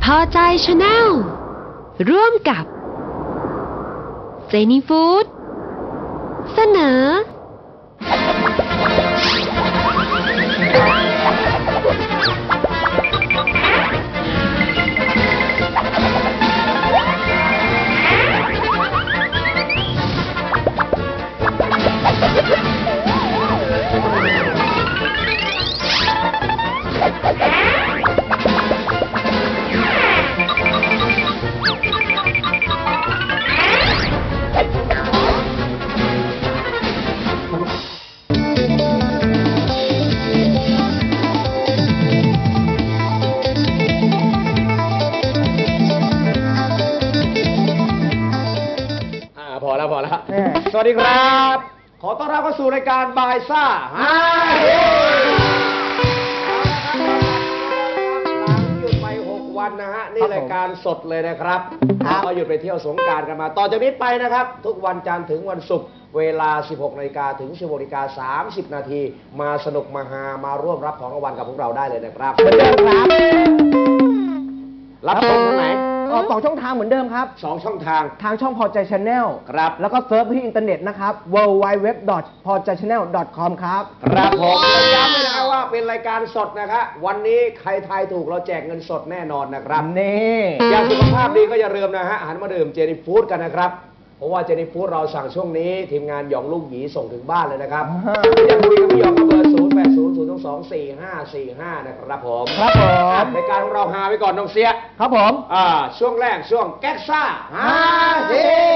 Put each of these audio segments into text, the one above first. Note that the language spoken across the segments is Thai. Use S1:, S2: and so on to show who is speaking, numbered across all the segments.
S1: อใจชาแนลร่วมกับเจนี่ฟู้ดเสนอ
S2: พอแล้วสวัสดีครับขอต้อนรับเข้าสู่รายการบายซ่าฮาเฮหลังหยุดไป6 วันนะฮะนี่รายการสดเลยนะครับก็หยุดไปเที่ยวสงกรานต์กันมาต่อจากนี้ไปนะครับทุกวันจันทร์ถึงวันศุกร์เวลา 16 นาฬิกาถึง 16:30 นาทีมาสนุกมาฮามาร่วมรับของรางวัลกับพวกเราได้เลยนะครับเหมือนเดิมครับรับชมทางไหน
S3: 2 ช่องทางเหมือนเดิมครับ
S2: 2 ช่องทาง
S3: ทางช่องพอใจชาแนล
S2: ครับ
S3: แล้วก็เซิร์ชที่อินเทอร์เน็ตนะครับ www.pojaychannel.com ครับ
S2: ครับผมย้ำเลยนะครับว่าเป็นรายการสดนะครับวันนี้ใครทายถูกเราแจกเงินสดแน่นอนนะครับ
S3: นี่
S2: อยากสุขภาพดีก็อย่าลืมนะฮะหันมาดื่มเจนี่ฟู้ดกันนะครับเพราะว่าเจนี่ฟู้ดเราสั่งช่วงนี้ทีมงานหยองลูกหยีส่งถึงบ้านเลยนะครับอยากคุยกับพี่หยองก็เบอร์ 0800224545 นะครับผม
S3: ครับผม
S2: รายการของเราฮาไปก่อนน้องเสีย
S3: ครับผม
S2: ช่วงแรกช่วงแก๊กซ่าฮาเฮ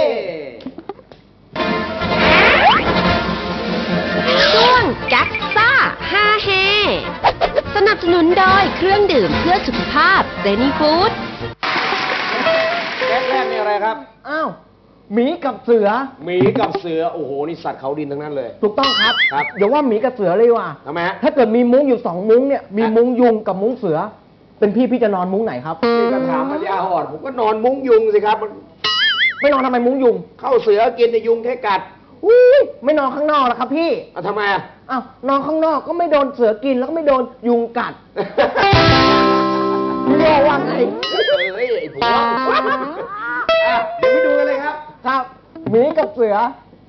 S1: ช่วงแก๊กซ่าฮาเฮสนับสนุนโดยเครื่องดื่มเพื่อสุขภาพเจนี่ฟู้ด
S2: แก๊กแรกนี่อะไรครับ
S3: อ้าวหมีกับเสือ
S2: หมีกับเสือโอ้โหนี่สัตว์เขาดินทั้งนั้นเลย
S3: ถูกต้องครับ
S2: ครับ
S3: อย่าว่าหมีกับเสือเลยว่ะ
S2: ทำไมฮะ
S3: ถ้าเกิดมีมุ้งอยู่2 มุ้งเนี่ยมีมุ้งยุงกับมุ้งเสือเป็นพี่จะนอนมุ้งไหนครับ
S2: นี่ก็ถามปัญญาอ่อนผมก็นอนมุ้งยุงสิครับ
S3: ไม่นอนทำไมมุ้งยุง
S2: เข้าเสือกินในยุงแค่กัด
S3: ไม่นอนข้างนอกแล้วครับพี่
S2: ทำไม
S3: อ้าวนอนข้างนอกก็ไม่โดนเสือกินแล้วก็ไม่โดนยุงกัดเรียกว่าไง
S2: ไอ้ผัวเดี๋ยวไปดูกันเลยครับ
S3: ครับหมีกับเสือ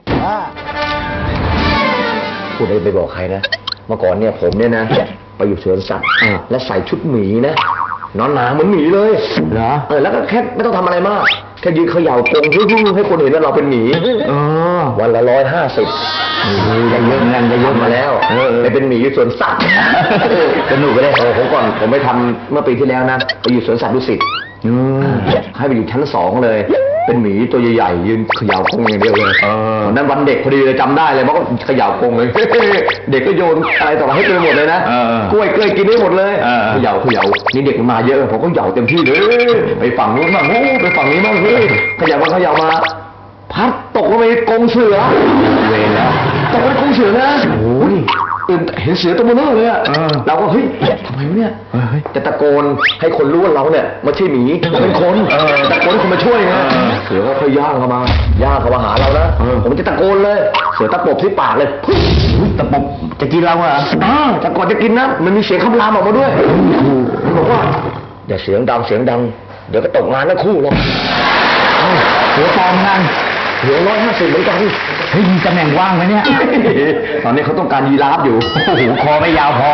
S4: พูดได้ไปบอกใครนะเมื่อก่อนเนี่ยผมเนี่ยนะไปอยู่สวนสัตว์และใส่ชุดหมีนะนอนหนาเหมือนหมีเลย
S3: เหรอ
S4: แล้วก็แค่ไม่ต้องทำอะไรมากแค่ยืนเขย่ากรงให้คนเห็นว่าเราเป็นหมีวันละ150
S3: จะเยอะเงินจะเยอะ
S4: มาแล้วไปเป็นหมีอยู่สวนสัตว์สนุกไปเลยผมไปทำเมื่อปีที่แล้วนะไปอยู่สวนสัตว์ดุสิตให้ไปอยู่ชั้น2เลยเป็นหมีตัวใหญ่ๆยืนเขย่ากรงอย่างเดียวเลยวันนั้นวันเด็กพอดีเลยจำได้เลยเพราะเขย่ากรงเลยเด็กก็โยนอะไรต่ออะไรให้เต็มหมดเลยนะกล้วยกินได้หมดเลยเขย่านี่เด็กมาเยอะผมก็เขย่าเต็มที่เลยไปฝั่งนู้นบ้างไปฝั่งนี้บ้างเขย่ามาพัดตกลงไปกรงเสือเวรแล้วตกไปกรงเสือนะโอ้ยเห็นเสือตัวมันเบลอเลยอ่ะเราก็เฮ้ยทำไมวะเนี่ยจะตะโกนให้คนรู้ว่าเราเนี่ยไม่ใช่หมีเป็นคนตะโกนให้คนมาช่วยไงเสือก็ค่อยย่างเข้ามาหาเรานะผมจะตะโกนเลยเสือตะปบที่ปากเลยตะปบจะกินเราอ่ะตะโกนจะกินนะมันมีเสียงคำรามออกมาด้วยบอกว่าอย่าเสียงดังเดี๋ยวก็ตกงานทั้งคู่หรอก
S3: เสือปลอมนั่น
S4: เหลือ150เหมือนกัน
S3: เฮ้ยมีตำแหน่งว่างไหมเนี่ย
S4: ตอนนี้เขาต้องการยีราฟอยู่
S3: โอ้โหคอไม่ยาวพอ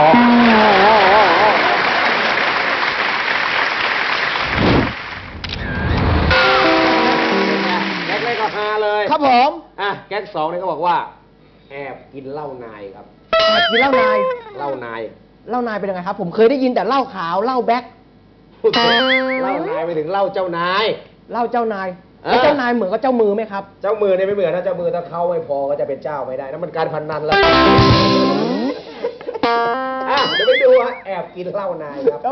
S2: แก๊กแรกก็ฮาเลย
S3: ครับผม
S2: แก๊ก2เนี่ยเขาบอกว่าแอบกินเหล้านายครับ
S3: แอบกินเหล้านาย
S2: เหล้านาย
S3: เป็นยังไงครับผมเคยได้ยินแต่เหล้าขาวเหล้าแบ็ค
S2: เหล้านายไปถึงเหล้าเจ้านาย
S3: เหล้าเจ้านายเจ้านายเหมือนกับเจ้ามือไหมครับ
S2: เจ้ามือเนี่ยไม่เหมือนถ้าเจ้ามือถ้าเข้าไม่พอก็จะเป็นเจ้าไม่ได้นั่นมันการพนันแล้วเดี๋ยวไปดูแอบกินเหล้านายครับ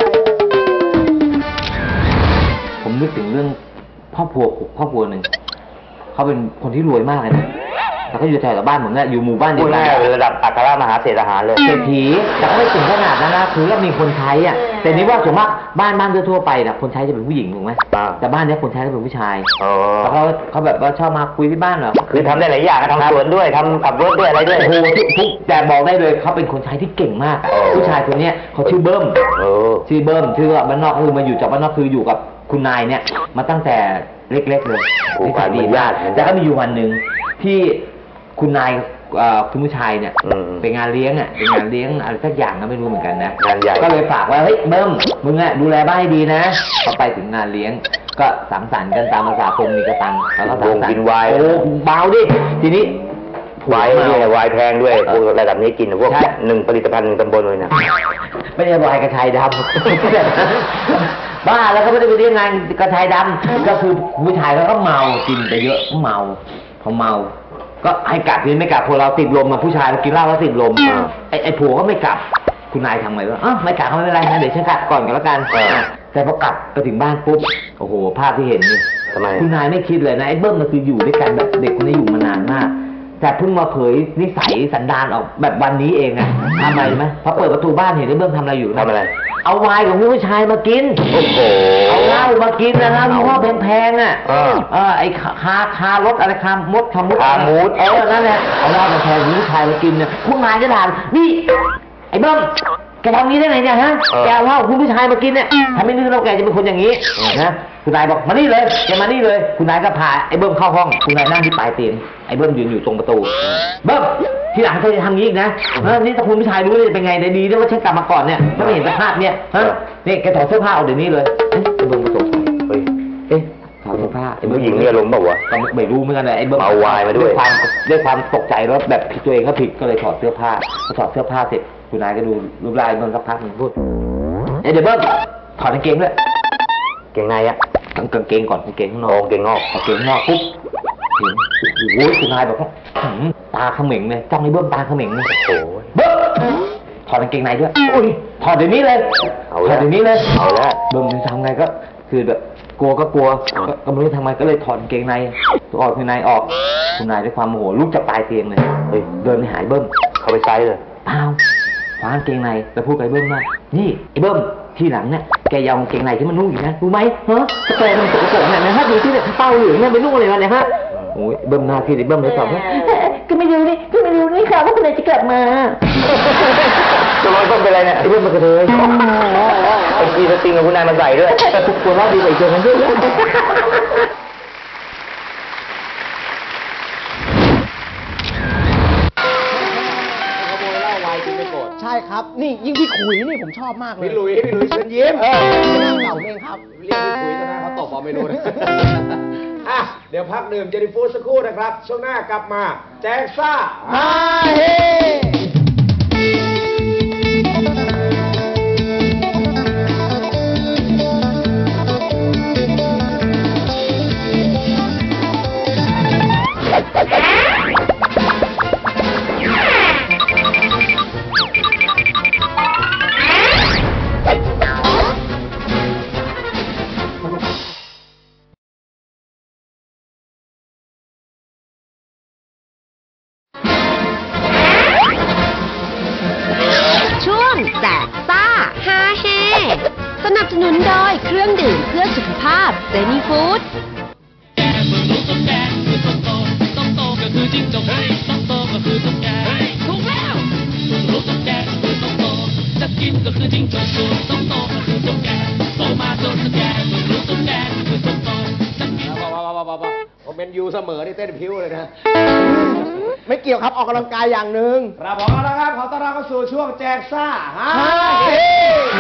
S5: ผมนึกถึงเรื่องครอบครัวหนึ่งเขาเป็นคนที่รวยมากเลยนะแต่ก็อยู่แถวบ้านผมเนี่ยอยู่หมู่บ้านเดี
S4: พู
S5: ย
S4: ด
S5: วกั
S4: ง่าย
S5: น
S4: ๆระดับอัครมหาเศรษฐาเลย
S5: เศรษฐีแต่ก็ไม่ถึงขนาดนั้นนะคือก็มีคนใช้อ่ะแต่นี่ว่าส่วนมากบ้านทั่วๆไปนะคนใช้จะเป็นผู้หญิงถูกไหม
S4: อ่า
S5: แต่บ้านเนี้ยคนใช้ก็เป็นผู้ชาย
S4: อ๋อ
S5: แล้วเขาแบบว่าชอบมาคุยที่บ้านเหรอ
S4: คือทำได้หลายอย่างทำสวนด้วยทำขับรถด้วยอะไรด้วย
S5: โอ้โหทุกแต่บอกได้เลยเขาเป็นคนใช้ที่เก่งมากอะ
S4: โอ้
S5: ผู้ชายคนเนี้ยเขาชื่อเบิ้ม
S4: โอ้
S5: ชื่อเบิ้มชื่อว่าบ้านนอกคือมาอยู่จากบ้านนอกคืออยู่กับคุณนายเนี่ยมาตั้งแต่เล็กๆเลย
S4: โอ้
S5: นิสัยดีมาก
S4: เหมือนญาติ
S5: แต่ก็มีอยู่วันหนึ่งที่คุณนายคุณผู้ชายเนี่ย
S4: อืม
S5: เป็นงานเลี้ยงอ่ะเป็นงานเลี้ยงอะไรสักอย่างก็ไม่รู้เหมือนกันนะ
S4: งานใหญ่
S5: ก็เลยฝากว่าเฮ้ยเบิ้มมึงอ่ะดูแลบ้านให้ดีนะพอไปถึงงานเลี้ยงก็สังสรรค์กันตามภาษาคนมีกระตังแล้วก็สังสรร
S4: วงกิน
S5: ค์
S4: ไวน์
S5: โอ้เบาดิทีนี้
S4: วายเนี่ยวายแพงด้วยพวกระดับนี้กินพวก
S5: ใช่
S4: หนึ่งผลิตภัณฑ์หนึ่งตำบลเลยนะ
S5: ไม่ได้วายกระชายดำ บ้าแล้วก็ไม่ได้ไปเรียกงานกระชายดำก็คือผู้ชายเขาก็เมากินไปเยอะเมาพอเมาก็ให้กลับกินไม่กลับพวกเราติดลมมาผู้ชายเรากินเหล้าแล้วติดลมไอ้ผัวก็ไม่กลับคุณนายทำไงวะไม่กลับก็ไม่เป็นไรนะเดี๋ยวฉันกลับก่อนแล้วกันแต่พอกลับไปถึงบ้านปุ๊บโอ้โหภาพที่เห็นนี่
S4: ทำไม
S5: คุณนายไม่คิดเลยนะไอ้เบิ้มมันคืออยู่ด้วยกันแบบเด็กคนนี้อยู่มานานมาก แต่เพิ่งมาเผยนิสัยสันดานออกแบบวันนี้เองอะทำอะไรไหมพอเปิดประตูบ้านเห็นไอ้เบิ้มทำอะไรอยู่
S4: ทำอะไร
S5: เอาไวน์ของผู้ชายมากิน
S4: โอ้โห
S5: เอาเหล้ามากินนะครับยี่ห้อแพงๆอ่ะ
S4: เออ
S5: ไอ้คารถอะไรคามดคามุด
S4: คามูด
S5: นั่นแหละเอาเหล้าแพงๆของผู้ชายมากินเนี่ยคุณนายก็ถามนี่ไอ้เบิ้มแกทำนี้ได้ไงเนี่ยฮะแกเอาเหล้าของผู้ชายมากินเนี่ยทำไม่นึกว่าแกจะเป็นคนอย่างนี้นะคุณนายบอกมานี่เลยแกมานี่เลย คุณนายก็พาไอ้เบิ้มเข้าห้องคุณนายนั่งที่ปลายเตียงไอ้เบิ้มยืนอยู่ตรงประตูเบิ้มทีหลังเธอจะทำงี้อีกนะนี่ถ้าคุณผู้ชายรู้เลยจะเป็นไงได้ดีด้วยว่าฉันกลับมาก่อนเนี่ยถ้าไม่เห็นสภาพเนี่ยฮะนี่แกถอดเสื้อผ้าออกเดี๋ยวนี้เลยไอ้เบิ้มก็สงสัย
S4: เฮ้ย
S5: เอ๊ะถอดเสื้อผ้าไอ้เบิ้
S4: ผู้หญิงเนี่ยลงเปล่าวะ
S5: ก็ไม่รู้เหมือนกันเลยไอ้เบิ้ม
S4: เอาไวน์มาด้วย
S5: ความตกใจแล้วแบบผิดตัวเองก็ผิดก็เลยถอดเสื้อผ้าพอถอดเสื้อผ้าเสร็จคุณนายก็ดูรูปร่างไอ้เบิ้มสักพักหนึ่งพูดเดี๋ยวเบิ้มถอดกางเกงด้วย
S4: เก่งไงอะ
S5: กางเกงก่อนกางเกงข้างน
S4: โอ้
S5: อก
S4: เก่งงอก
S5: กางเกงข้างนอกปุ๊บเห็นโอ้โหคุณนายบอกว่าตาเขม็งเลยจ้องไอ้เบิ้มตาเขม็งเลย
S4: โอ้ย
S5: เบิ้มถอดกางเกงในด้วยอุ้ยถอดเดี๋ยวนี้เลย
S4: เอา
S5: ถ
S4: ละ
S5: อดเดี๋ยวนี้เลย
S4: เอาละ
S5: เบิ้มจะทำไงก็คือแบบกลัวก็ไม่รู้ทำไงก็เลยถอดกางเกงในถอดกางเกงในออกคุณนายด้วยความโมโหลุกจากปลายเตียงเลย
S4: เฮ้ย
S5: เดินไปหาไอ้เบิ้ม
S4: เขาไปไซส์เลย
S5: เปล่าคว้ากางเกงในแล้วพูดกับไอ้เบิ้มว่านี่ไอ้เบิ้มทีหลังเนี่ยแกอยาวกางเกงในที่มันนุ่งอยู่นะรู้ไหมฮะสเปรย์มันสกปรกเนี่ยนะฮะดูที่เนี่ยเป้าเหลืองเนี่ยไปนุ่งอะไรมาเนี่ยฮะโอ้ยเบิ้มหน้าที่ไอ้เบิ้มเลยตอบว่าก็ไม่รู้นี่ค่ะว่าคุณนายจะกลับมา
S4: จะร้อยต้นเป็นไรเนี่ย
S5: ไอ้เบิ้มมันก็เลย
S4: ไอ้กีสติงกับคุณนายมาใส่ด้วย
S5: กลัวว่าดีกว่าอีกตัวนั้นด้วย
S2: ขโมยเหล้าวายกินไม่โกรธ
S3: ใช่ครับ นี่ยิ่งพี่ขุยนี่ผมชอบมากเลย
S2: พี่หลุยเชิญยิ้ม
S3: เป็นหน้าเก่าเองครับ
S2: เรียกพี่คุยนะเขาตบเอาไม่รู้นะ อ่ะเดี๋ยวพักดื่มเจนิฟูดสักครู่นะครับ ช่วงหน้ากลับมาแจ็คซ่า
S3: ฮ่าเฮ
S1: ช่วงแจกซ่าฮาเฮสนับสนุนโดยเครื่องดื่มเพื่อสุขภาพเซนีฟู้ด
S6: ต้องโตก็คือจิ้งจกต้องโตก็คือตุ๊กแกถูกแล้วรู้ตุ๊กแกก็คือต้องโตจะกินก็คือจิ้งจกต้องโตก็คือตุ๊กแกโตมาจนตุ๊กแกรู้ตุ๊กแกก็คือต้องโตจะกิน
S2: ผมเป็นยูเสมอนี่เต้นพิ้วเลยนะ
S3: ไม่เกี่ยวครับออกกำลังกายอย่างหนึ่ง
S2: ครับผมนะครับขอต้อนรับเข้าสู่ช่วงแจกซ่าฮา
S3: ฮ่า
S2: เฮ
S3: เฮ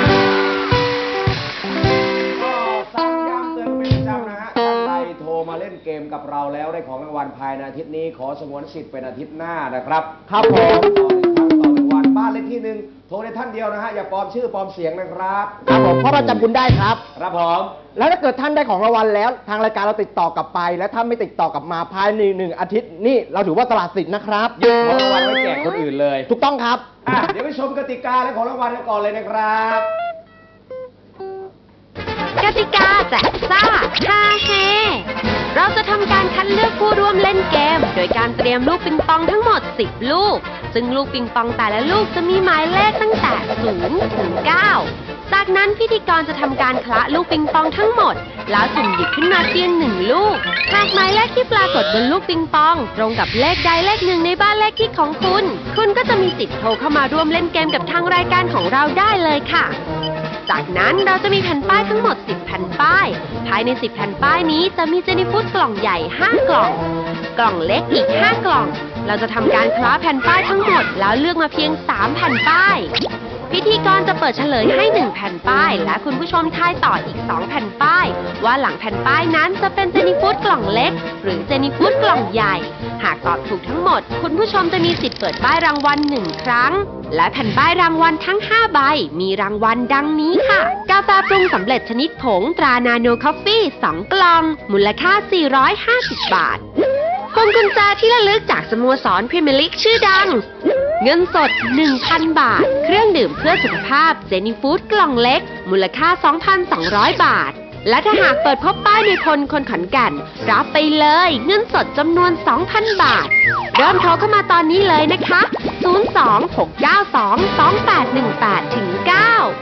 S2: ก็ซ้ำย้ำเตือนกันเป็นประจำนะฮะท่านใดโทรมาเล่นเกมกับเราแล้วได้ของรางวัลภายในอาทิตย์นี้ขอสงวนสิทธิ์เป็นอาทิตย์หน้านะครับ
S3: ครับผม
S2: ต่อหนึ่งวันบ้านเลขที่หนึ่งโทรได้ท่านเดียวนะฮะอย่าปลอมชื่อปลอมเสียงนะครับ
S3: ครับผมเพราะเราจำคุณได้ครับ
S2: ครับผม
S3: แล้วถ้าเกิดท่านได้ของรางวัลแล้ว ทางรายการเราติดต่อกลับไป และถ้าไม่ติดต่อกลับมาภายในหนึ่งอาทิตย์นี่เราถือว่าตลาดสิทธิ์นะครับ
S2: ยึดของรางวัลไว้แจกคนอื่นเลย
S3: ถูกต้องครับ
S2: อ่ะเดี๋ยวไปชมกติกาและของรางวัลกันก่อนเลยนะครับ
S1: กติกาแจกซ่าฮาเฮเราจะทำการคัดเลือกผู้ร่วมเล่นเกม โดยการเตรียมลูกปิงปองทั้งหมด 10 ลูก ซึ่งลูกปิงปองแต่ละลูกจะมีหมายเลขตั้งแต่ 0 ถึง 9 จากนั้นพิธีกรจะทำการคละลูกปิงปองทั้งหมด แล้วสุ่มหยิบขึ้นมาเพียง 1 ลูก หากหมายเลขที่ปรากฏบนลูกปิงปอง ตรงกับเลขใดเลขหนึ่งในบ้านเลขที่ของคุณ คุณก็จะมีสิทธิ์โทรเข้ามาร่วมเล่นเกมกับทางรายการของเราได้เลยค่ะ จากนั้นเราจะมีแผ่นป้ายทั้งหมด 10 แผ่นป้าย ภายใน 10 แผ่นป้ายนี้จะมีเจนิฟูดกล่องใหญ่ 5 กล่อง กล่องเล็กอีก 5 กล่อง เราจะทำการคล้าแผ่นป้ายทั้งหมดแล้วเลือกมาเพียง 3 แผ่นป้าย พิธีกรจะเปิดเฉลยให้ 1 แผ่นป้าย และคุณผู้ชมทายต่ออีก 2 แผ่นป้าย ว่าหลังแผ่นป้ายนั้นจะเป็นเจนิฟูดกล่องเล็ก หรือเจนิฟูดกล่องใหญ่ หากตอบถูกทั้งหมด คุณผู้ชมจะมีสิทธิ์เปิดป้ายรางวัล 1 ครั้ง และแผ่นป้ายรางวัลทั้ง 5 ใบ มีรางวัลดังนี้ค่ะ กาแฟปรุงสำเร็จชนิดผงตรานาโนคอฟฟี่ 2 กล่อง มูลค่า 450 บาทพวงกุญแจที่ระลึกจากสโมสรพรีเมียร์ลีกชื่อดัง เงินสด 1,000 บาท เครื่องดื่มเพื่อสุขภาพเจนี่ฟู้ดกล่องเล็ก มูลค่า 2,200 บาท และถ้าหากเปิดพบป้ายในพลคนขอนแก่นรับไปเลยเงินสดจำนวน 2,000 บาท เริ่มโทรเข้ามาตอนนี้เลยนะคะ 026922818ถึง 9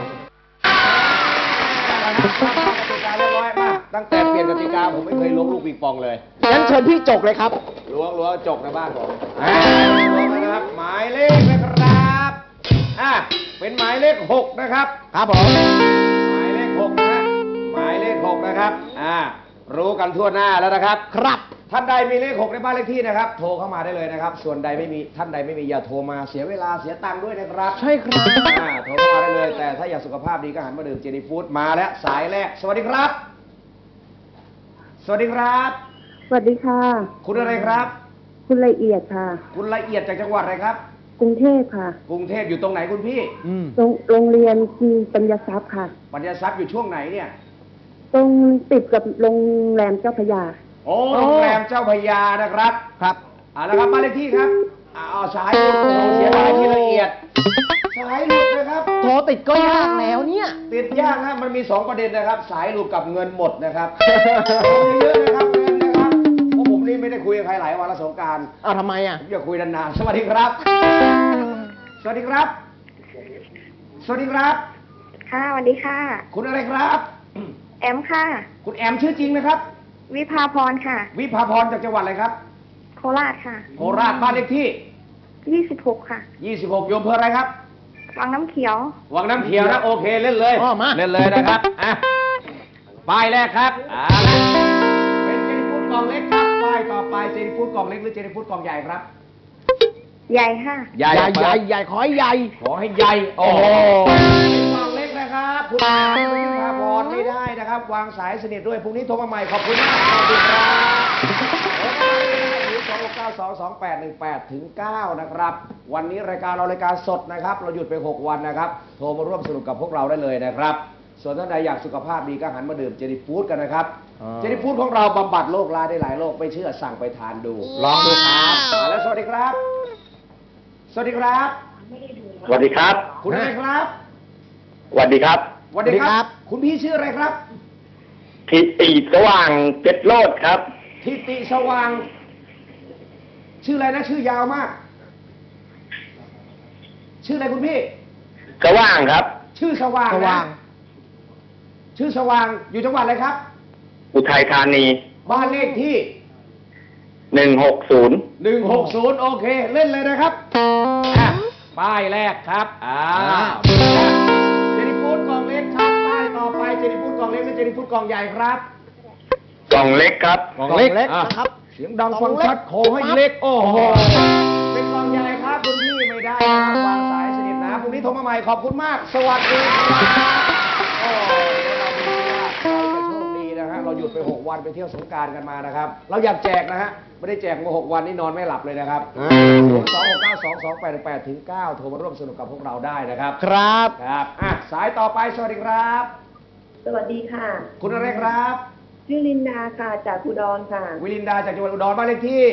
S2: ตั้งแต่เปลี่ยนกติกาผมไม่เคยล้วงลูกปิงปองเลย
S3: งั้นเชิญพี่จกเลยครับ
S2: ล้วงจกในบ้านผมล้วงนะครับ หมายเลขนะครับเป็นหมายเลข 6 นะครับ
S3: ครับผม
S2: หมายเลข 6 นะฮะหมายเลข 6 นะครับ รู้กันทั่วหน้าแล้วนะครับ
S3: ครับ
S2: ท่านใดมีเลข 6 ในบ้านเลขที่นะครับ โทรเข้ามาได้เลยนะครับ ส่วนใดไม่มีท่านใดไม่มีอย่าโทรมาเสียเวลาเสียตังค์ด้วยนะครับ
S3: ใช่ครับ
S2: โทรเข้ามาได้เลย แต่ถ้าอยากสุขภาพดีก็หันมาดื่มเจนี่ฟู้ดมาแล้วสายแรก สวัสดีครับ สวัสดีครับ
S7: สวัสดีค่ะ
S2: คุณอะไรครับ
S7: คุณละเอียดค่ะ
S2: คุณละเอียดจากจังหวัดอะไรครับ
S7: กรุงเทพค่ะ
S2: กรุงเทพอยู่ตรงไหนคุณพี่
S7: โรงเรียนปัญญาทรัพย์ค่ะ
S2: ปัญญาทรัพย์อยู่ช่วงไหนเนี่ย
S7: ตรงติดกับโรงแรมเจ้าพระยา
S2: โอ้โรงแรมเจ้าพระยานะครับ
S3: ครับ
S2: นะครับบ้านเลขที่ครับสายหลุดโอ้โหเสียดายที่ละเอียด สายหลุดนะครับ
S3: โทรติดก็ยากแล้วเนี่ย
S2: ติดยากนะมันมี 2 ประเด็นนะครับ สายหลุดกับเงินหมดนะครับเยอะนะครับเงินนะครับเพราะผมนี่ไม่ได้คุยกับใครหลายวันละสงกรานต์
S3: เอาทำไมอ่ะ
S2: ผมอยากคุยนานๆสวัสดีครับ สวัสดีครับ สวัสดีครับ
S7: ค่ะสวัสดีค่ะ
S2: คุณอะไรครับ
S7: แอมค่ะ
S2: คุณแอมชื่อจริงนะครับ
S7: วิภาพรค่ะ
S2: วิภาพรจากจังหวัดอะไรครับ
S7: โคราชค่ะ
S2: โคราชบ้านเลขที่
S7: 26 ค่ะ
S2: 26 โยมอำเภออะไรครับ
S7: วังน้ำเขียว
S2: วังน้ำเขียวนะโอเคเล่นเลย
S3: อ๋อมา
S2: เล่นเลยนะครับป้ายแรกครับเป็นเจนิฟูดกล่องเล็กครับป้ายต่อไปเจนิฟูดกล่องเล็กหรือเจนิฟูดกล่องใหญ่ครับ
S7: ใหญ่ค่ะ
S3: ใหญ่ใหญ่ใหญ่ขอให้ใหญ่
S2: ขอให้ใหญ่โอ้โห
S3: โอ้
S2: กล่องเล็กนะครับคุณวิภาพรไม่ได้นะครับ วางสายสนิทด้วยพรุ่งนี้โทรมาใหม่ขอบคุณมากสวัสดีครับ029222818ถึง 9 นะครับ วันนี้รายการเรารายการสดนะครับ เราหยุดไป 6 วันนะครับ โทรมาร่วมสนุกกับพวกเราได้เลยนะครับ ส่วนท่านใดอยากสุขภาพดีก็หันมาดื่มเจนี่ฟู้ดกันนะครับ เจนี่ฟู้ดของเราบำบัดโรคร้ายได้หลายโรคไม่เชื่อสั่งไปทานดู ลองดูครับมาแล้วสวัสดีครับ สวัสดีครับ
S8: สวัสดีครับ
S2: คุณอะไรครับ
S8: สวัสดีครับ
S2: สวัสดีครับ คุณพี่ชื่ออะไรครับ
S8: ทิติสว่างเพชรโลดครับ
S2: ทิติสว่าง ชื่ออะไรนะชื่อยาวมาก ชื่ออะไรคุณพี่
S8: สว่างครับ
S2: ชื่อสว่าง
S3: สว่าง
S2: นะชื่อสว่างอยู่จังหวัดอะไรครับ
S8: อุทัยธานี
S2: บ้านเลขที่
S8: 160
S2: 160 โอเค เล่นเลยนะครับป้ายแรกครับเจนี่ฟู้ดกล่องเล็กครับป้ายต่อไปเจนี่ฟู้ดกล่องเล็กหรือเจนี่ฟู้ดกล่องใหญ่ครับ
S8: กล่องเล็กครับ
S3: กล่องเล็กนะครับ
S2: เสียงดังฟังชัดขอให้เล็ก โอ้โห เป็นกล่องใหญ่ครับคุณพี่ไม่ได้นะครับวางสายสนิทนะพรุ่งนี้โทรมาใหม่ขอบคุณมาก สวัสดีครับโอ้เราดูว่าเราจะโชคดีนะฮะเราหยุดไป 6 วันไปเที่ยวสงกรานต์กันมานะครับ เราอยากแจกนะฮะไม่ได้แจกมา 6 วันนี่นอนไม่หลับเลยนะครับ026922818ถึง 9 โทรมาร่วมสนุกกับพวกเราได้นะครับ
S3: ครับ
S2: ครับสายต่อไปสวัสดีครับ
S7: สวัสดีค่ะ
S2: คุณอะไรครับ
S7: ชื่อลินดาค่ะ จากอุดรค่ะ
S2: วิลินดาจากจังหวัดอุดรบ้านเลขที่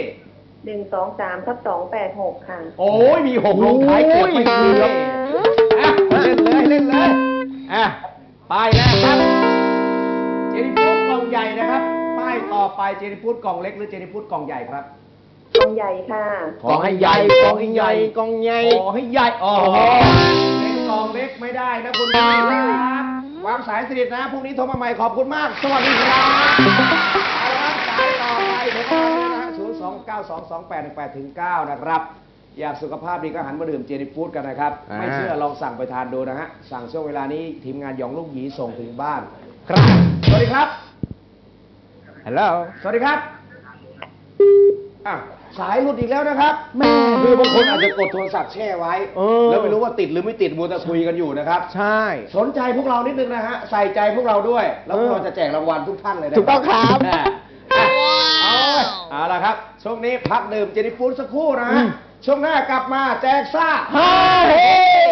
S7: 123/286 ค่ะ
S2: โอ้ยมี 6 ลงท้ายเกือบไม่มีเลยเล่นเลยป้ายแรกครับนิฟูดกล่องใหญ่นะครับป้ายต่อไปเจนิฟูดกล่องเล็กหรือเจนิฟูดกล่องใหญ่ครับ
S7: กองใหญ่ค่ะ
S3: กองให้ใหญ่กองให้ใหญ่กองใหญ่
S2: ขอให้ใหญ่อ๋อเป็นกล่องเล็กไม่ได้นะคุณผู้ชมครับวางสายสนิทนะพรุ่งนี้โทรมาใหม่ขอบคุณมาก สวัสดีครับเอาละครับสายต่อไปโทรเข้ามาเลยนะฮะ029228189นะครับอยากสุขภาพดีก็หันมาดื่มเจนิฟูดกันนะครับไม่เชื่อลองสั่งไปทานดูนะฮะสั่งช่วงเวลานี้ทีมงานหยองลูกหยีส่งถึงบ้านครับสวัสดีครับ
S3: ฮัลโหล
S2: สวัสดีครับอ่ะสายหลุดอีกแล้วนะครับ
S3: แม่
S2: คือบางคนอาจจะกดโทรศัพท์แช่ไว้
S3: เออ
S2: แล้วไม่รู้ว่าติดหรือไม่ติดมัวแต่คุยกันอยู่นะครับ
S3: ใช่
S2: สนใจพวกเรานิดนึงนะฮะใส่ใจพวกเราด้วย แล้วพวกเราจะแจกรางวัลทุกท่านเลยนะ
S3: ถูกต้องครับ
S2: เอาละครับช่วงนี้พักดื่มเจนิฟูดสักครู่นะฮะช่วงหน้ากลับมาแจกซ่า
S3: ฮ่าเฮ้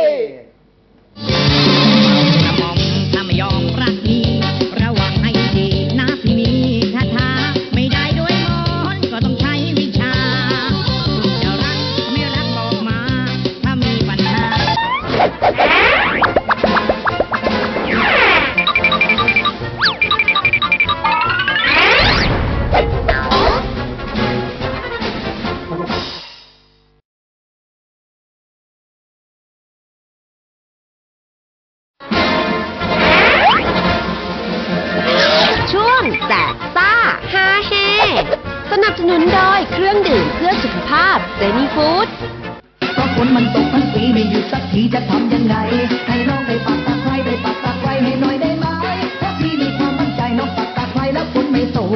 S9: กระหม่อมถ้าไม่ยอมรักนี้ระวังให้ดีนะพี่มีคาถาไม่ได้ด้วยมนต์ก็ต้องใช้วิชาจะรักไม่รักบอกมา ถ้ามีปัญหา
S1: ช่วงแจกซ่าฮาเฮสนับสนุนโดยเครื่องดื่มเพื่อสุขภาพเจนี่ฟู้ด
S9: เพราะฝนมันตกทั้งปีไม่หยุดสักทีจะทำยังไง ให้น้องได้ปักตะไคร้ได้ปักตะไคร้ให้หน่อยได้ไหมเพราะพี่มีความมั่นใจน้องปักตะไคร้แล้วฝนไม่ตก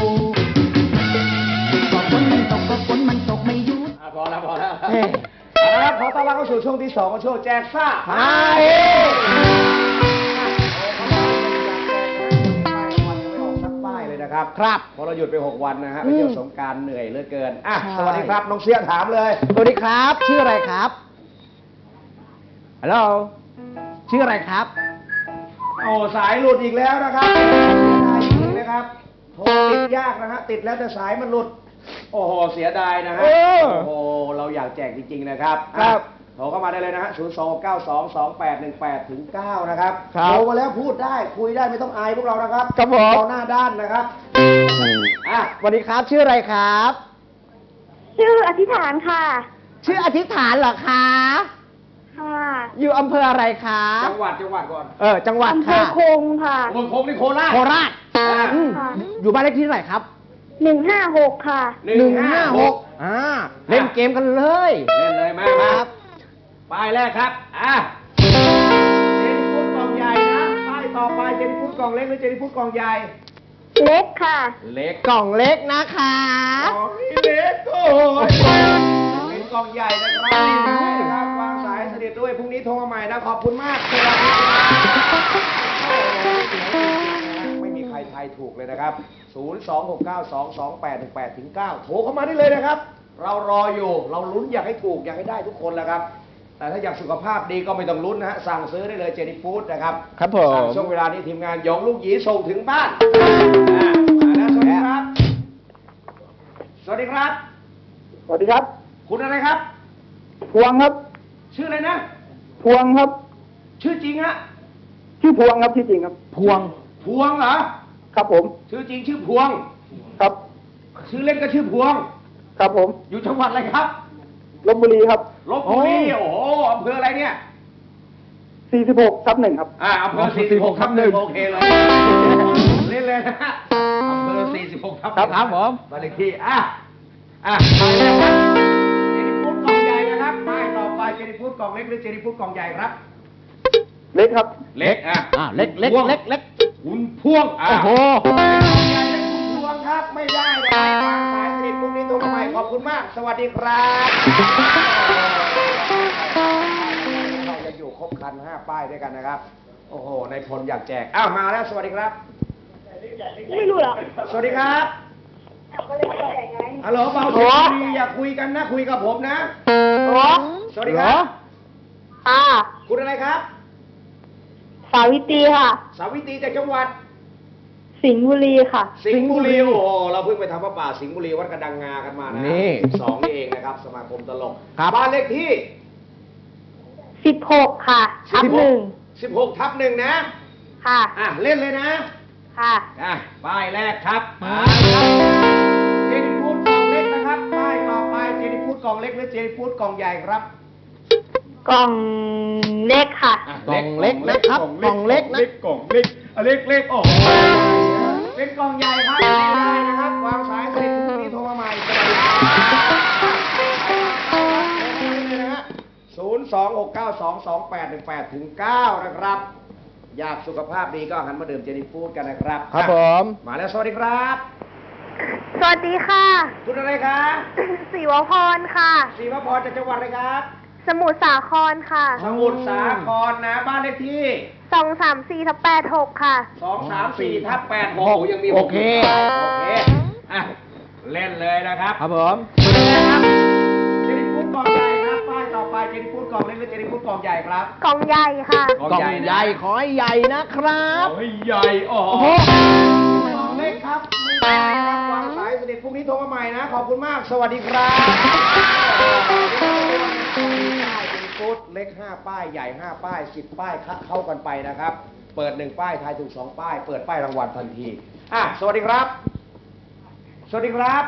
S9: ก็ฝนมันตกก็ฝนมันตกไม่หยุด
S2: พอแล้วเอาละครับขอต้อนรับเข้าสู่ช่วงที่ 2ของช่วงแจกซ่า
S3: ฮ่าเฮ้
S2: ครับครับพอเราหยุดไป 6 วันนะฮะไปเที่ยวสงกรานต์เหนื่อยเหลือเกินอ่ะสวัสดีครับน้องเสียถามเลย
S3: สวัสดีครับ ชื่ออะไรครับฮัลโหลชื่ออะไรครับ
S2: โอ้สายหลุดอีกแล้วนะครับได้จริงนะครับโทรติดยากนะฮะติดแล้วแต่สายมันหลุด โอ้โหเสียดายนะฮะ
S3: เออ
S2: โอ้โหเราอยากแจกจริงๆนะครับ
S3: ครับ
S2: โทรเข้ามาได้เลยนะฮะ029228118ถึง9นะครับ
S3: ครับ
S2: โทรมาแล้วพูดได้คุยได้ไม่ต้องอายพวกเรานะครับ
S3: ครับผม
S2: เราหน้าด้านนะครับอ่ะ
S3: สวัสดีครับ ชื่ออะไรครับ
S7: ชื่ออธิษฐานค่ะ
S3: ชื่ออธิษฐานเหรอคะ
S7: ค่ะ
S3: อยู่อำเภออะไรคะ
S2: จังหวัดก่อน
S3: จังหวัด
S7: อำเภอ
S3: ค่ะ
S7: คงค่ะ
S2: โคงนี่โคราช
S3: โคราช
S2: อ่า
S3: อืม
S7: ค่ะ
S3: อยู่บ้านเลขที่เท่าไหร่ครับ
S7: 156 ค่ะ
S2: 156
S3: เล่นเกมกันเลย
S2: เล่นเลยมา
S3: ค
S2: ค
S3: รั
S2: รับ บป้ายแรกครับเจนิฟูดกล่องใหญ่นะป้ายต่อไปเจนิฟูดกล่องเล็กหรือเจนิฟูดกล่องใหญ่
S7: เล็กค่ะ
S2: เล็ก
S3: กล่องเล็กนะคะ
S2: กล่องเล็กโอ้ยเป็นกล่องใหญ่นะครับวางสายสนิทด้วยพรุ่งนี้โทรมาใหม่นะขอบคุณมากสวัสดีครับไม่มีใครทายถูกเลยนะครับ 026922818ถึง9โทรเข้ามาได้เลยนะครับ เรารออยู่เราลุ้นอยากให้ถูกอยากให้ได้ทุกคนแหละครับ แต่ถ้าอยากสุขภาพดีก็ไม่ต้องลุ้นนะฮะสั่งซื้อได้เลยเจนี่ฟู้ดนะครับ
S3: ครับผม
S2: สั่งช่วงเวลานี้ทีมงานหยองลูกหยีส่งถึงบ้านมาแล้วสวัสดีครับ สวัสดีครับ
S8: สวัสดีครับ
S2: คุณอะไรครับ
S8: พวงครับ
S2: ชื่ออะไรนะ
S8: พวงครับ
S2: ชื่อจริงฮะ
S8: ชื่อพวงครับชื่อจริงครับ
S3: พวง
S2: พวงเหรอ
S8: ครับผม
S2: ชื่อจริงชื่อพวง
S8: ครับ
S2: ชื่อเล่นก็ชื่อพวง
S8: ครับผม
S2: อยู่จังหวัดอะไรครับ
S8: ลพบุรีครับ
S2: ลบบุรีโอ้โหอำเภออะไรเนี่ย
S8: 46/1ครับ
S2: อำเภอ46/1โอเคเลยเล่นเลยนะฮะอำเภอ46/1
S3: ครับผม
S2: บ้านเลขที่ไปเลยครับเจนิฟูดกล่องใหญ่นะครับป้ายต่อไปเจนิฟูดกล่องเล็กหรือเจนิฟูดกล่องใหญ่ครับ
S8: เล็กครับ
S2: เล็ก
S3: เล็ก
S2: พ่วง
S3: เล็ก
S2: คุณพ่วง
S3: โอ้โห
S2: กล่องใหญ่และคุณพ่วงครับไม่ได้นะครับวางสายสนิทพรุ่งนี้โทรมาใหม่ขอบคุณมาก สวัสดีครับเราจะอยู่ครบคัน5ป้ายด้วยกันนะครับ โอ้โหในพลอยากแจกมาแล้วสวัสดีครับ
S7: ไม่รู้เหรอ
S2: สวัสดีครับฮัลโหลเบาเสียงดีอย่าคุยกันนะคุยกับผมนะ สวัสดีครับ คุณอะไรครับ
S7: สาวิตรีค่ะ
S2: สาวิตรีจากจังหวัด
S7: สิงห์บุรีค่ะ
S2: สิงห์บุรีโอ้โหเราเพิ่งไปทำพระป่าสิงห์บุรีวัดกระดังงากันมานะ
S3: นี่
S2: 12นี่เองนะครับ สมาคมตลก
S3: ครับ
S2: บ้านเลขที่
S7: 16 ค่ะทับ
S2: 16ทับ1นะ
S7: ค่ะ
S2: เล่นเลยนะ
S7: ค่ะ
S2: ป้ายแรกครับมาครับเจนิฟูดกล่องเล็กนะครับป้ายต่อไปเจนิฟูดกล่องเล็กหรือเจนิฟูดกล่องใหญ่ครับ
S7: กล่องเล็กค่ะ
S3: กล่องเล็กนะครับกล่องเล็กนะ
S2: กล่องเล็กเล็กโอ้โหเป็นกล่องใหญ่ครับไม่ได้นะครับวางสายเสร็จพรุ่งนี้โทรมาใหม่สวัสดีครับ026922818-9นะครับอยากสุขภาพดีก็หันมาดื่มเจนิฟูดกันนะครับ
S3: ครับผม
S2: มาแล้วสวัสดีครับ
S7: สวัสดีค่ะ
S2: คุณอะไรคะ
S7: ศิวพรค่ะ
S2: ศรีวพรจากจังหวัดอะไรครับ
S7: สมุทรสาครค่ะ
S2: สมุทรสาครนะบ้านเลขที่
S7: 234/86ค่ะ
S2: 234/86ยังมี
S3: โอเค
S2: โอเคอ่ะเล่นเลยนะครับ
S3: ครับผม
S2: ครับเจนิฟูดกล่องใหญ่ครับป้ายต่อไปเจนิฟูดกล่องเล็กหรือเจนิฟูดกล่องใหญ่ครับ
S7: กล่องใหญ่ค่ะ
S3: กล่องใหญ่ขอให้ใหญ่นะครับ
S2: โอ้ยใหญ่อ๋อ
S3: โอ้โห
S2: กล่องเล็กครับไม่ได้ครับวางสายเสด็จพรุ่งนี้โทรมาใหม่นะขอบคุณมากสวัสดีครับเจนิฟูดเล็ก5ป้ายใหญ่5ป้าย10ป้ายเข้ากันไปนะครับเปิด1ป้ายทายถูก2ป้ายเปิดป้ายรางวัลทันทีสวัสดีครับ สวัสดีครับ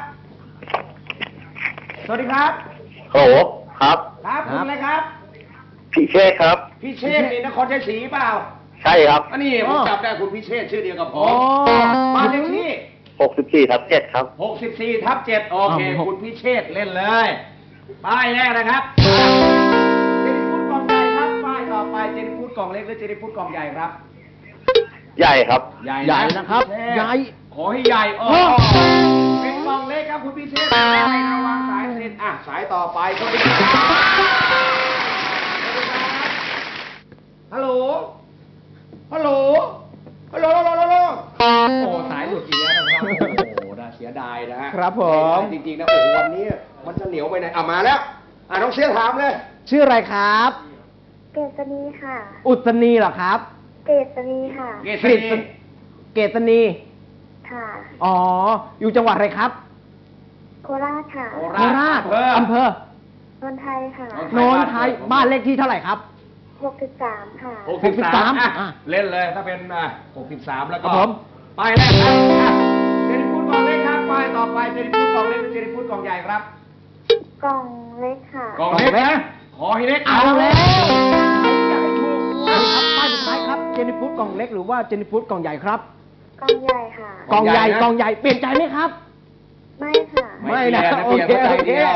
S2: สวัสดีครับ
S8: ฮัลโหลครับ
S2: ครับคุณอะไรครับ
S8: พี่เชษครับ
S2: พี่เชษฐ์นี่นครชัยศรีเปล่า
S8: ใช่ครับ
S2: อันนี้ผมจำได้คุณพิเชษฐ์ชื่อเดียวกับผ
S3: อ๋อ
S2: มบ้านเลขที่
S8: 64/7ครับ
S2: 64/7โอเคคุณพิเชษฐ์เล่นเลย ป้ายแรกนะครับ เจนิฟูดกล่องใหญ่ครับ ป้ายต่อไปเจนิฟูดกล่องเล็กหรือเจนิฟูดกล่องใหญ่ครับ
S8: ใหญ่ครับ
S2: ใหญ่
S3: ใหญ่นะครับ
S2: ณพิเชษฐ์
S3: ใหญ่
S2: ขอให้ใหญ่เป็นกล่องเล็กครับคุณพิเชษฐ์ได้นะวางสายเสร็จสายต่อไปสวัสดีครับฮัลโหล ฮัลโหล ฮัลโหลฮัลโหลโอ้สายหลุดอีกแล้วนะครับ โอ้โหน่าเสียดายนะฮะ
S3: ครับผม
S2: จริงๆนะโอ้โหวันนี้มันจะเหนียวไปไหนมาแล้วน้องเสียถามเลย
S3: ชื่ออะไรครับ
S7: เกษณีค่ะ
S3: อุศนีเหรอครับ
S7: เกษณีค่ะ
S2: เกษรี
S3: เกษณี
S7: ค่ะ
S3: อ๋อ อยู่จังหวัดอะไรครับ
S7: โคราชค่ะ
S2: โค
S3: โคราชอำเภอ
S7: นนทไทยค่ะ
S3: โนนไทยบ้านเลขที่เท่าไหร่ครับ
S7: 63ค่ะ
S2: 63เล่นเลยถ้าเป็น63แล้ว
S3: ครั
S2: ก็
S3: บผม
S2: ป้ายแรกครับเจนิฟูดกล่องเล็กครับป้ายต่อไปเจนิฟูดกล่องเล็กหรือเจนิฟูดกล่องใหญ่ครับ
S7: กล่องเล็กค่ะ
S2: กล่องเล็กนะขอให้เล็ก
S3: เอาแล้ว
S2: อยากให้ถูก
S3: ครับป้ายสุดท้ายครับ เจนิฟูดกล่องเล็กหรือว่าเจนิฟูดกล่องใหญ่ครับ
S7: กล่องใหญ่ค่ะ
S3: กล่องใหญ่กล่องใหญ่เปลี่ยนใจไหมครับ
S7: ไม่ค่ะ
S3: ไม่นะ
S2: เปลี่ยนเข้าใจเดียว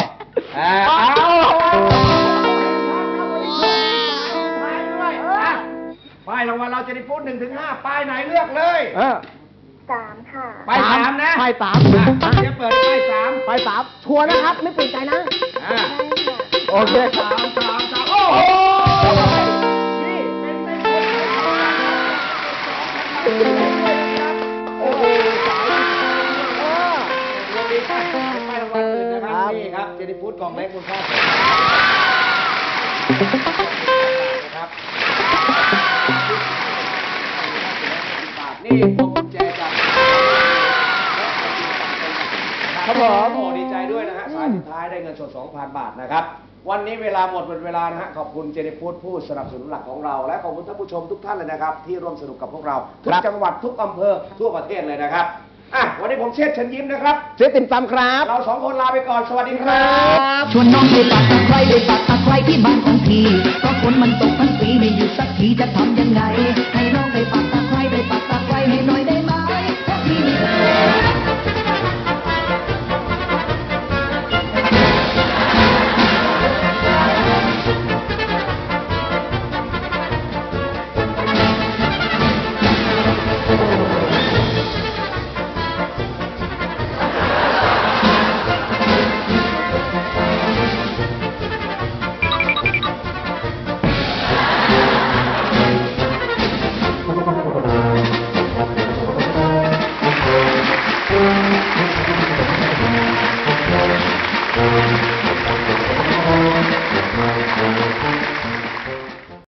S2: ป้ายรางวัลเราเจนิฟูด1-5ป้ายไหนเลือกเลย
S7: 3 ค่ะ
S2: ป้าย3นะ
S3: ป้ายสาม
S2: เดี๋ยวเปิดป้าย3
S3: ป้ายสามชัวร์นะครับ ไม่เปลี่ยนใจนะ
S7: ได้ค่ะ
S3: โอเค
S2: 3โอ้โหนี่เป็นในคนโอ้โหสายวันนี้ป้ายรางวัลอื่นนะครับนี่ครับเจนิฟูดกล่องเล็กมูลค่านะครับนี่พวงกุญแจจาก
S3: ครับผม
S2: โอ้ดีใจด้วยนะฮะสายสุดท้ายได้เงินสด 2,000 บาทนะครับวันนี้เวลาหมดเวลานะฮะขอบคุณเจนิฟูดผู้สนับสนุนหลักของเราและขอบคุณท่านผู้ชมทุกท่านเลยนะครับที่ร่วมสนุกกับพวกเราทุกจังหวัดทุกอำเภอทั่วประเทศเลยนะครับวันนี้ผมเชษฐ์เชิญยิ้มนะครับ
S3: เจ๊ติ่มซำครับ
S2: เราสองคนลาไปก่อนสวัสดีครับ
S9: ชวนน้องไปปักตะไคร้ไปปักตะไคร้ที่บ้านของพี่เพราะฝนมันตกทั้งปีไม่หยุดสักทีจะทำยังไง ให้เรา